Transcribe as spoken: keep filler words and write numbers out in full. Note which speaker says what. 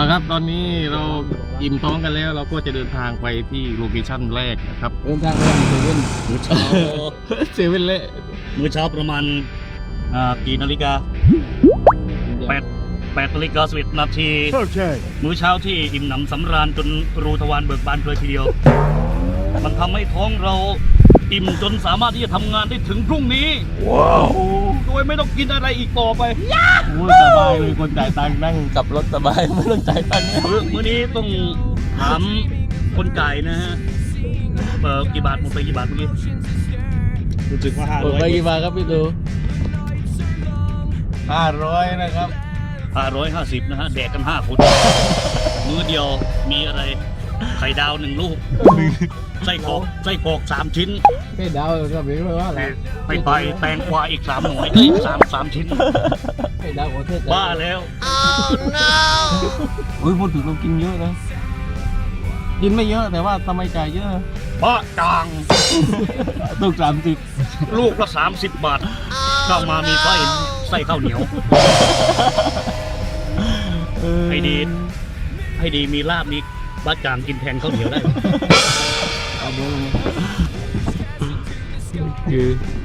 Speaker 1: เอาครับตอนนี้เราอิ่มท้องกันแล้วเราก็จะเดินทางไปที่โลเคชั่นแรกนะครับเดินทางไปเซเว่น
Speaker 2: มื้อเช้า
Speaker 1: เซเว่นเละ
Speaker 2: มื้อเช้าประมาณอ่ากี่นาฬิกาแปดแปดนาฬิกาสิบเอ็ดนาทีมื้อเช้าที่อิ่มหนำสำราญจนรูทวารเบิกบานเลยทีเดียว มันทำให้ท้องเราอิ่มจนสามารถที่จะทำงานได้ถึงพรุ่งนี้ว้าวโดยไม่ต้องกินอะไรอีกต่อไป
Speaker 1: โอ้ยสบายเลยคนจ่ายตังค์นั่งกับรถสบายไม่ต้องจ่ายตังค์เนี่ย
Speaker 2: มื้อมื้อนี้ต้องถามคนจ่ายนะฮะเปิดกี่บาทหมดไปกี่บาทเมื่อกี้รู้สึกว่าห้า
Speaker 1: หม
Speaker 2: ร้
Speaker 1: ด
Speaker 2: อย
Speaker 1: ไปกี่บาทครับพี่ดูห้าร้อยนะครับ
Speaker 2: ห้าร้อยห้าสิบนะฮะแดกกันห้าคนมื้อเดียวมีอะไรไข่ดาวหนึ่งลูกไส้กรอกไส้กรอกสามชิ้น
Speaker 1: ไม่เดาก็ไม่รู้ว่าอะไร
Speaker 2: ไปไปแตงกวาอีกสามหน่วยเอ้ยสามสามชิ้น
Speaker 1: ไม่เดาโอเทศ
Speaker 2: บ้าแล้ว
Speaker 1: โอ้ยพูดถึงเรากินเยอะนะกินไม่เยอะแต่ว่าทำไมจ่ายเยอะ
Speaker 2: บ้าจัง
Speaker 1: ตุกสามสิบ
Speaker 2: ลูกละสามสิบบาทเข้ามามีไส้ไส้ข้าวเหนียว ให้ดี ให้ดีมีลาบมีบ้าจางกินแทนข้าวเหนียวได้
Speaker 1: เอาเบอร์คือ